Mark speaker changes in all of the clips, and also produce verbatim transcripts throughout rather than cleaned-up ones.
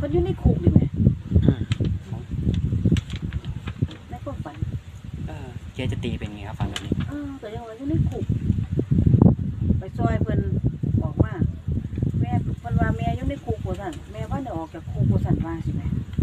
Speaker 1: พิ่นอยู่ในคุกนี่แหม
Speaker 2: อืม
Speaker 1: ในความฝัน
Speaker 3: เออเจ๊จะตีเป็นไงครับฟังแบบนี้
Speaker 1: เออก็ยังว่าอยู่ในคุกไปซอยเพิ่นบอกว่าแม่เพิ่นว่าแม่อยู่ในคุกว่าซั่นแม่ว่าได้ออกจากคุกว่าซั่นว่าสิแม่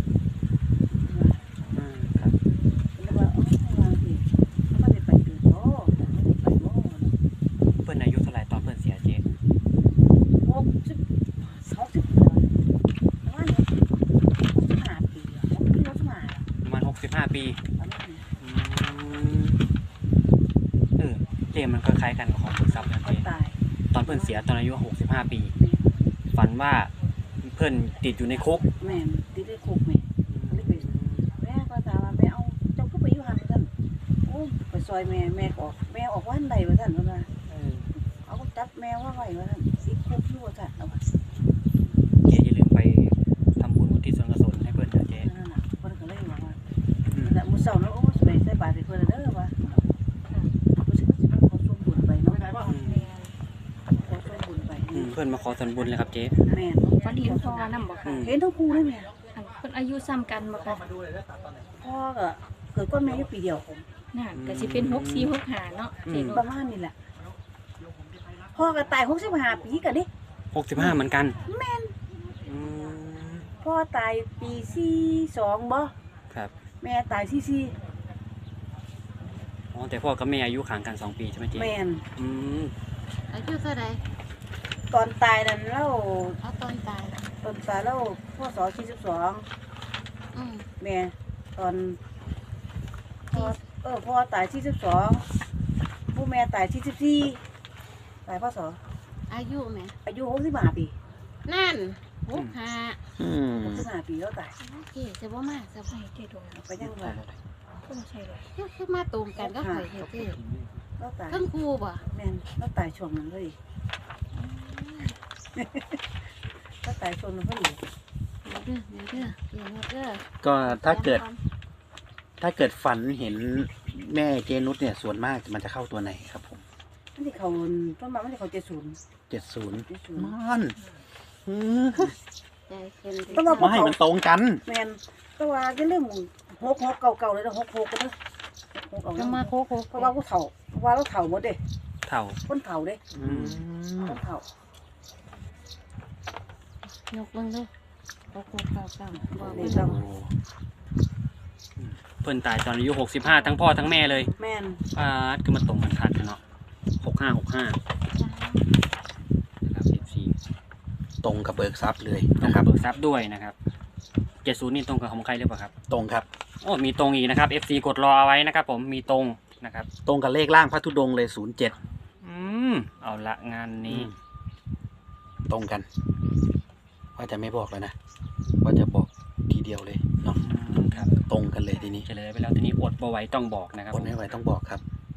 Speaker 3: อืมครับ
Speaker 1: เพิ่นเลยว่าเอ๋อว่าสิบ่ได้ไปเกิดบ่บ่ได้ไปบ่
Speaker 3: เพื่อนอายุเท่าไหร่ตอนเพื่อนเสียเจ๊
Speaker 1: หกสิบหกสิบเดือนประมาณนี้หกสิบห้าปีอะหกสิบห้า
Speaker 3: ประมาณหกสิบห้าปี
Speaker 1: ประมาณนี้
Speaker 3: อืมเออเจ๊มันก็คล้ายกันกับของคุณซับนะ
Speaker 1: คน
Speaker 3: เจ๊
Speaker 1: ตาย
Speaker 3: ตอนเพื่อนเสียตอนอายุหกสิบห้าปี ฝันว่าเพื่อนติดอยู่ในคุก
Speaker 1: แม่นติดในคุกแม่แม่ก็ถามว่าแม่เอาเจ้าก็ไปอยู่หันว่าซั่นโอ้ไปซอยแม่แม่ก็ออกแม่ออกวันใดว่าซั่นเพิ่นว่า
Speaker 3: เออ
Speaker 1: เอาจับแม่ว่าไว้ว่าซั่นสิคุกอยู่ว่าซั่นเอาว่า
Speaker 3: เจ๊อย่าลืมไปทำบุญอุทิศส่วนกุศลให้เพื่อนนะเจ๊
Speaker 1: นั่นน่ะเพิ่นก็เลยบอกว่า
Speaker 3: อืม
Speaker 1: แต่มื้อเช้าเนาะโอ้สิไปใส่บาตรให้เพิ่นเด้อว่าผู้สิสิมาขอส่วนบุญไปเนาะ
Speaker 3: อืม
Speaker 1: ขอส่วนบุญไป
Speaker 3: อืมเพื่อนมาขอส่วนบุญเลยครับเจ๊
Speaker 1: แม่น
Speaker 4: ฝันเห็นพ่อนำบ่
Speaker 3: อื
Speaker 4: ค่ะ
Speaker 3: ม
Speaker 1: เห็นทั้งคู่เลยแม่
Speaker 4: อันเพิ่นอายุซ้ำกันบ่ค่ะ
Speaker 1: พ่อก็เกิดก้อนแม่อยู่ปีเดียว
Speaker 4: น่ะก็สิเป็นหกสี่หกห้าเนาะเจ๊นุ
Speaker 1: ป
Speaker 4: ช
Speaker 1: ระมาณนี้แหละพ่อก็ตายหกสิบห้าปีกันดิ
Speaker 3: หกสิบห้าเหมือนกัน
Speaker 1: แม่น
Speaker 3: อืม
Speaker 1: พ่อตายปีสี่สองบ่
Speaker 3: ครับ
Speaker 1: แม่ตายสี่สี่
Speaker 3: อ๋อแต่พ่อกับแม่อายุห่างกันสองปีใช่ไหมเจ๊
Speaker 1: แม่น
Speaker 3: อืม
Speaker 5: อายุเท่าไร
Speaker 1: ตอนตายนั่นเล่า
Speaker 5: เอาตอนตาย
Speaker 1: ตอนตายเล่าพ่อสอสี่สิบสอง
Speaker 5: อืม
Speaker 1: แม่ตอนพ่อเออพ่อตายสี่สิบสองผู้แม่ตายสี่สิบสี่ตายพ่อสอ
Speaker 5: อายุไหม
Speaker 1: อายุหกสิบห้าปี
Speaker 5: นั่นหกห้า
Speaker 2: อืม
Speaker 1: หกสิบห้าปีแล้วตาย
Speaker 5: โอเคจะบ่มาจะบ่
Speaker 4: เจ๊ดวง
Speaker 1: ไปยังว่า
Speaker 4: ก็บ่ใช่เลย
Speaker 5: คือคือมาตรงกันก็ข่อยเฮ็ดเด้
Speaker 1: แล้วตาย
Speaker 5: ทั้งครูบ่
Speaker 1: แม่นแล้วตายช่วงนั้นเลยแล้วตายช่วงนั้นพอดี
Speaker 5: เด้อเด้อเด้อเดี๋ยวเด้อ
Speaker 2: ก็ถ้าเกิด ถ้าเกิดฝันเห็นแม่เจนุชเนี่ยส่วนมากมันจะเข้าตัวไหนครับผม
Speaker 1: มันที่เขาต้นมามันที่เขาเจ็ดศูนย์
Speaker 2: เจ็ดศูนย์
Speaker 1: เจ็ดศูนย์
Speaker 2: มันอืม
Speaker 5: ใจขึ้น
Speaker 1: ต้องมาพวก
Speaker 2: ไม่
Speaker 1: เขา
Speaker 2: มันตรงกัน
Speaker 1: แมนก็ว่าจะเรื่องหกหกเก่าๆเลยนะหกหกกันเด้อหกเอา
Speaker 5: จะมาโคโค
Speaker 1: เพราะว่าผู้เฒ่าเพราะว่าเราเฒ่าหมดเด้
Speaker 3: เท่า
Speaker 1: คนเฒ่าเด้
Speaker 2: อืม
Speaker 1: คนเฒ่าย
Speaker 5: กเบิ่งดูโคโคเก้าเก้าบอก
Speaker 1: นี่
Speaker 5: เบิ่ง
Speaker 1: ต้อง
Speaker 3: เพื่อนตายตอนอายุหกสิบห้าทั้งพ่อทั้งแม่เลย
Speaker 1: แม่น
Speaker 3: ป้าดก็มาตรงกันคัดกันเนาะหกห้าหกห้านะครับเอฟซี
Speaker 2: ตรงกับเบิกทรัพย์เลย
Speaker 3: ตรง
Speaker 2: นะค
Speaker 3: กั
Speaker 2: รั
Speaker 3: บบ เบิกทรัพย์ด้วยนะครับเจ็ดศูนย์นี่ตรงกับของใครหรือเปล่าครับ
Speaker 2: ตรงครับ
Speaker 3: โอ้มีตรงอีกนะครับ เอฟ ซี กดรอเอาไว้นะครับผมมีตรงนะครับ
Speaker 2: ตรงกับเลขล่างพระธุดงค์เลยศูนย์เจ็ด
Speaker 3: อืมเอาละงานนี้
Speaker 2: ตรงกัน ว่าจะไม่บอกเลยนะ ว่าจะบอกทีเดียวเลยเนาะ
Speaker 3: อืมครับ
Speaker 2: ตรงกันเลยทีนี้
Speaker 3: เฉลยไปแล้วทีนี้อดบ่ไหวต้องบอกนะครับ
Speaker 2: ค
Speaker 3: ผ
Speaker 2: น
Speaker 3: ม
Speaker 2: ไม่ไหวต้องบอกครับ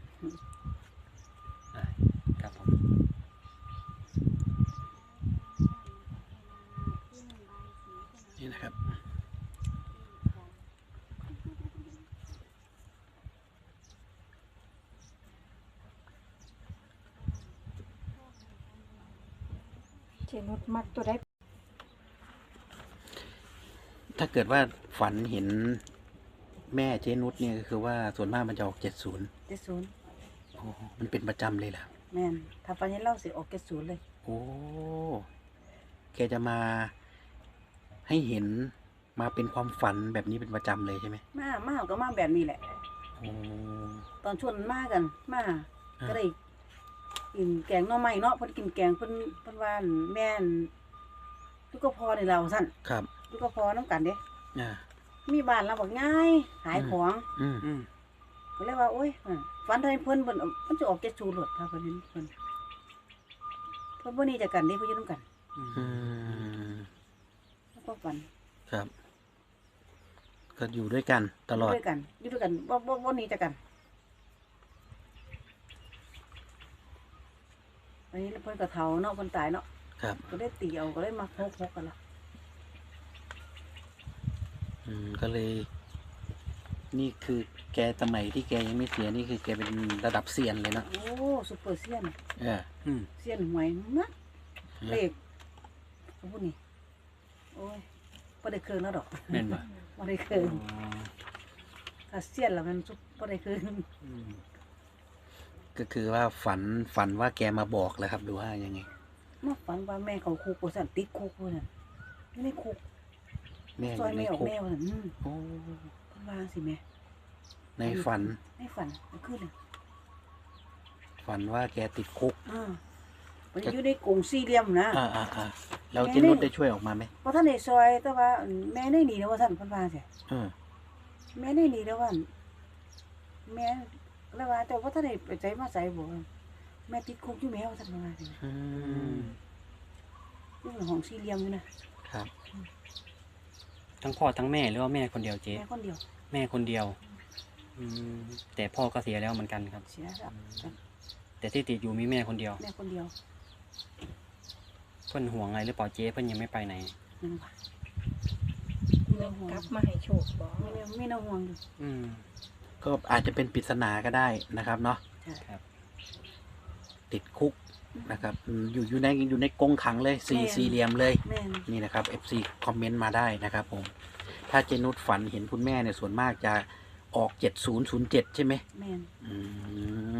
Speaker 3: ครับผม
Speaker 2: นี่นะครับ
Speaker 4: เจ๊นุชมักตัวใด
Speaker 2: ถ้าเกิดว่าฝันเห็นแม่เจนุชเนี่ยก็คือว่าส่วนมากมันจะออกเจ็ดศูนย์
Speaker 1: เจ็ดศูนย์
Speaker 2: มันเป็นประจำเลยแหละ
Speaker 1: แม่นถ้าปัญญาเล่าสิออกเจ็ดศูนย์เลย
Speaker 2: โอ้ แกจะมาให้เห็นมาเป็นความฝันแบบนี้เป็นประจำเลยใช่ไหม
Speaker 1: มามาก็มาแบบนี้แหละ
Speaker 2: โอ้
Speaker 1: ตอนชวนมากันมาก็ได้กินแกงหน่อไม้เนาะเพิ่นกินแกงเพิ่นเพิ่นว่าอั่นแม่นลูกก็พอนี่เราสั่น
Speaker 2: ครับ
Speaker 1: ลูกก็พอน้ำกันเด้
Speaker 2: อ่า
Speaker 1: มีบ้านเราบอกง่ายขายของ
Speaker 2: อืม
Speaker 3: อืม
Speaker 1: ก็เลยว่าโอ้ยฝันไทยเพิ่นเพิ่นมันจะออกเจ็ดศูนย์หลดถ้าเพิ่นเห็นเพิ่นเพิ่นบ่หนี่จากกันเด้เพิ่นอยู่นํกัน
Speaker 2: อืม
Speaker 1: แล้วก็ฝัน
Speaker 2: ครับ ก็อยู่ด้วยกันตลอด
Speaker 1: อยู่ด้วยกันอยู่ด้วยกันบ่บ่บ่หนี่จากกันอันนี้เพิ่นก็เฒ่าเนาะเพิ่นตายเนาะ
Speaker 2: ครับ
Speaker 1: ก็ได้ตีเอาก็เลยมาโคกๆกันละ
Speaker 2: อืม ก็เลย นี่คือแกสมัยที่แกยังไม่เสียนี่คือแกเป็นระดับเซียนเลยเนอะ
Speaker 1: โอ้ซุปเปอร์เซียน
Speaker 2: เออ
Speaker 3: อืม
Speaker 1: เซียนหวยนะเลขพูดนี่โอ้ยบ่ได้เคืองแล้วดอก
Speaker 3: แม่นบ่
Speaker 1: บ่ได้เคือง
Speaker 3: อ๋อ
Speaker 1: ถ้าเสียนแล้วมันสุดบ่ได้เคือง
Speaker 3: อืม
Speaker 2: ก็คือว่าฝันฝันว่าแกมาบอกแล้วครับหรือว่ายังไง
Speaker 1: มาฝันว่าแม่เขาคุกว่าซั่นติดคุกว่าซั่นอยู่ในคุก
Speaker 2: แม่อ
Speaker 1: ซอย
Speaker 2: ยู่ใน
Speaker 1: แม่ออก
Speaker 2: คุก
Speaker 1: แม่ว่าซั่นอืม
Speaker 2: โอ้
Speaker 1: เพิ่นว่าสิแม่
Speaker 2: ในฝัน
Speaker 1: ในฝันมันขึ้นเลย
Speaker 2: ฝันว่าแกติดคุก
Speaker 1: อ่ามันอยู่ในกรงสี่เหลี่ยมนะ
Speaker 2: อ่าอ่าอ่าแล้ว
Speaker 1: แม่
Speaker 2: เจนุชได้ช่วยออกมาไหม
Speaker 1: เพราะท่านในซอยแต่ว่าแม่ได้หนีแล้วว่าท่านเพันวาเสีย
Speaker 2: เออ
Speaker 1: แม่ได้หนีแล้วว่าแม่แล้วว่าแต่ว่าท่านในไปใจมาใส่บอกว่าแม่ติดคุกอยู่แม่ว่าท่านเพันวาเสีย
Speaker 2: อืม
Speaker 1: อยู่ในห้องสี่เหลี่ยมอยู่นะครับ
Speaker 3: ทั้งพ่อทั้งแม่หรือว่าแม่คนเดียวเจ๊
Speaker 1: แม่คนเดียว
Speaker 3: แม่คนเดียวอืมแต่พ่อก็เสียแล้วเหมือนกันครับ
Speaker 1: เสียแล้ว
Speaker 3: แต่ที่ติดอยู่มีแม่คนเดียว
Speaker 1: แม่คนเดียว
Speaker 3: เพิ่นห่วงอะไรหรือเปล่าเจ๊เพิ่นยังไม่ไปไหน
Speaker 1: นึงว่ะ
Speaker 4: แม่กลับมาให้โชคบ่
Speaker 1: ไม่ไม่น่าห่วงอยู่
Speaker 3: อืม
Speaker 2: ก็อาจจะเป็นปริศนาก็ได้นะครับเนาะ
Speaker 1: ใช่
Speaker 3: ครับ
Speaker 2: ติดคุกนะครับอืมอยู่อยู่ในอยู่ในกรงขังเลยสี่สี่เหลี่ยมเลย
Speaker 1: แม่น
Speaker 2: นี่นะครับ เอฟ ซี คอมเมนต์มาได้นะครับผม ถ้าเจนุชฝันเห็นคุณแม่เนี่ยส่วนมากจะออกเจ็ดศูนย์ศูนย์เจ็ดใช่ไหม
Speaker 1: แม่น
Speaker 2: อืม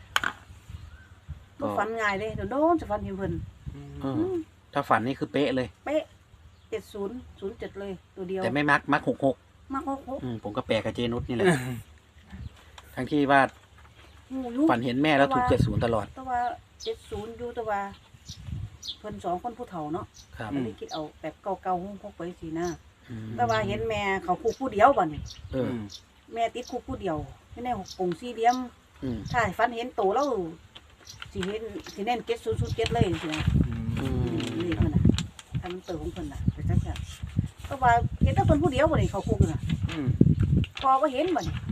Speaker 1: บ่ฝันง่ายเลยโดนๆจะฝันเห็นเพิ่น
Speaker 2: เออถ้าฝันนี่คือเป๊ะเลย
Speaker 1: เป๊ะเจ็ดศูนย์ศูนย์เจ็ดเลยตัวเดียว
Speaker 2: แต่ไม่มักมักหกหก
Speaker 1: มากโคก
Speaker 2: อืมผมก็แปลกับเจนุชนี่แหละ ทั้งที่ว่า
Speaker 1: ๆงูอยู่
Speaker 2: ฝันเห็นแม่แล้วถูก
Speaker 1: แต่ว่า
Speaker 2: เจ็ดศูนย์ตลอด
Speaker 1: แต่ว่าเจ็ดศูนย์อยู่แต่ว่าเพิ่นสองคนผู้เฒ่าเนาะ
Speaker 2: ครับ
Speaker 1: ไม่ได้คิดเอาแบบเก่าๆหุ้งพกไปสินะ
Speaker 2: อืม
Speaker 1: แต่ว่าเห็นแม่เขาคุกผู้เดียวบ่นี่
Speaker 2: เออ
Speaker 1: แม่ติดคุกผู้เดียวไม่ได้หกกงสี่เหลี่ยม
Speaker 2: อืม
Speaker 1: ถ้าให้ฝันเห็นโตแล้วสิเห็นสิแน่นเจ็ดศูนย์ศูนย์เจ็ดเลยสินะ
Speaker 2: อืม
Speaker 1: นี่เพิ่นน่ะถ้ามันเติมของเพิ่นน่ะไปจังซั่นแต่ว่าเห็นแต่เพิ่นผู้เดียวบ่นี่เขาคุกน่ะ
Speaker 3: อืม
Speaker 1: พอบ่เห็นบ่นี่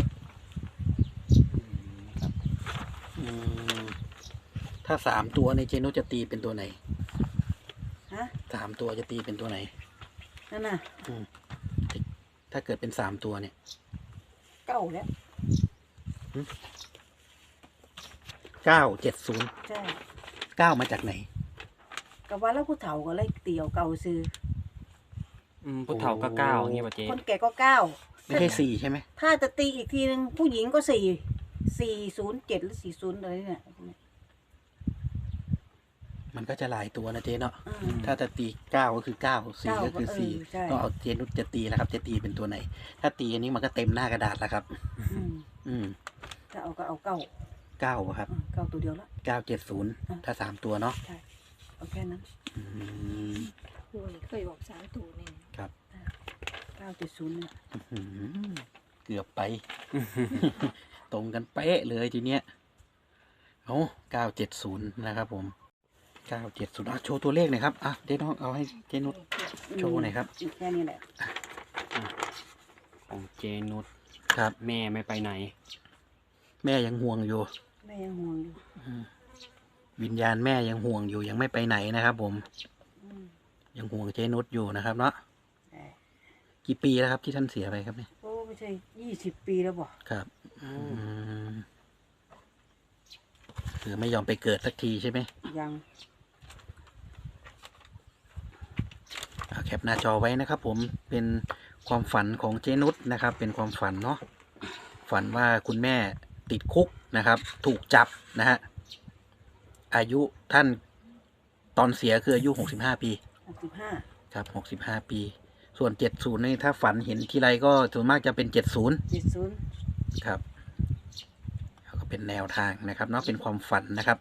Speaker 3: ครับ
Speaker 2: อืมถ้าสามตัวในเจนุชจะตีเป็นตัวไหน
Speaker 1: ฮะ
Speaker 2: สามตัวจะตีเป็นตัวไหน
Speaker 1: นั่นน่ะ
Speaker 2: อืมถ้าเกิดเป็นสามตัวเนี่ย
Speaker 1: เก้าแล้ว
Speaker 2: เก้าเจ็ดศูนย์
Speaker 1: ใช่
Speaker 2: เก้ามาจากไหน
Speaker 1: ก็ว่าแล้วผู้เฒ่าก็เลยเตียวเก่าซื้อ
Speaker 3: อืมผู้เฒ่าก็เก้าอย่างเงี้ยป่ะเจ๊
Speaker 1: คนแก่ก็เก้า
Speaker 2: ไม่ใช่สี่ใช่ไหม
Speaker 1: ถ้าจะตีอีกทีนึงผู้หญิงก็สี่สี่ศูนย์เจ็ดหรือสี่ศูนย์อะไรเนี่ย
Speaker 2: มันก็จะหลายตัวนะเจเนาะ
Speaker 1: อืม
Speaker 2: ถ้าจะตีเก้าก็คือเก้าสี่
Speaker 1: เก้า
Speaker 2: ก็คือ
Speaker 1: เออ
Speaker 2: สี่
Speaker 1: ใช่
Speaker 2: ต้องเอาเจนุชจะตีแล้วครับ จะตีเป็นตัวไหน ถ้าตีอันนี้มันก็เต็มหน้ากระดาษแล้วครับ
Speaker 1: อืม
Speaker 2: อืม
Speaker 1: ถ้าเอาก็เอาเก้า
Speaker 2: เก้าครับ
Speaker 1: อืมเก้าตัวเดียวละ
Speaker 2: เก้าเจ็ดศูนย์
Speaker 1: อ่ะ
Speaker 2: ถ้าสามตัวเนาะ
Speaker 1: ใช่เอาแค่นั้น
Speaker 2: อืม
Speaker 4: ครูนี่เคยบอกสามตัวนี่
Speaker 2: ครับ
Speaker 1: เก้าเจ็ดศูนย์เนี่ย
Speaker 2: อื้อหือเกือบไป ตรงกันเป๊ะเลยทีเนี้ยเอาเก้าเจ็ดศูนย์นะครับผมเก้าเจ็ดศูนย์อ่ะโชว์ตัวเลขหน่อยครับอ่ะเจ๊น้องเอาให้เจนุช โชว์หน่อยครับ
Speaker 1: มแค่นี้แหละ
Speaker 3: ของเจนุช
Speaker 2: ครับ
Speaker 3: แม่ไม่ไปไหน
Speaker 2: แม่ยังห่วงอยู่
Speaker 1: แม่ยังห่วงอยู่
Speaker 2: อืมวิญญาณแม่ยังห่วงอยู่ยังไม่ไปไหนนะครับ ผม
Speaker 1: อืม
Speaker 2: ยังห่วงเจนุชอยู่นะครับเนาะ
Speaker 1: แต่
Speaker 2: กี่ปีแล้วครับที่ท่านเสียไปครับเนี่ย
Speaker 1: โอ้ไม่ใช่ยี่สิบปีแล้วบ่
Speaker 2: ครับอืมคือไม่ยอมไปเกิดสักทีใช่ไหม
Speaker 1: ยัง
Speaker 2: เอาแคปหน้าจอไว้นะครับ ผมเป็นความฝันของเจนุชนะครับ เป็นความฝันเนาะฝันว่าคุณแม่ติดคุกนะครับ ถูกจับนะฮะอายุท่านตอนเสียคืออายุหกสิบห้าปี
Speaker 1: หกสิบห้า
Speaker 2: ครับหกสิบห้าปี ส่วนเจ็ดศูนย์นี่ถ้าฝันเห็นทีไรก็ส่วนมากจะเป็นเจ็ดศูนย์
Speaker 1: เจ็ดศูนย์
Speaker 2: ครับแล้วก็เป็นแนวทางนะครับเนาะเป็นความฝันนะครับ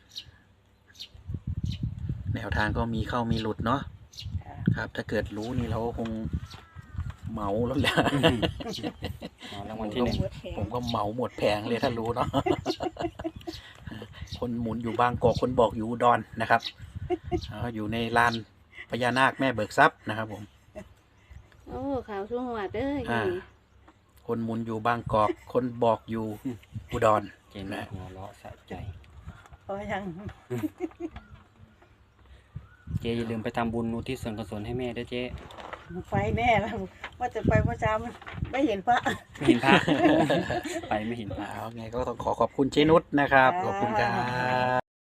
Speaker 2: แนวทางก็มีเข้ามีหลุดเนาะครับ ถ้าเกิดรู้นี่เราก็คงเหมาแล้วแหละ
Speaker 3: อ๋อรางวัลที่หนึ่ง
Speaker 4: เบิดแผ
Speaker 2: ผ
Speaker 4: ง
Speaker 2: มก็เหมาหมดแผงเลยถ้ารู้เนาะ คนหมุนอยู่บางกอกคนบอกอยู่อุดอนนะครับอ๋ออยู่ในลานพญานาคแม่เบิกทรัพย์นะครับ ผม
Speaker 5: โอ้ข่าวช่วงวัดเด้อ
Speaker 2: อ่า คนหมุนอยู่บางกอก คนบอกอยู่อุดร
Speaker 3: เจนุชหัวเราะสะใจ
Speaker 1: พอยัง
Speaker 3: เจอย่าลืมไปทำบุญอุทิศส่วนกุศลให้แม่ด้วยเจ
Speaker 1: ไปแน่แล้วว่าจะไปเมื่อเช้ามันไม่เห็นพระ
Speaker 3: ไม่เห็นพระ ไปไม่เห็นพระ
Speaker 2: เอาไงก็ต้องขอขอบคุณเจนุชนะครับ ขอบคุณครับ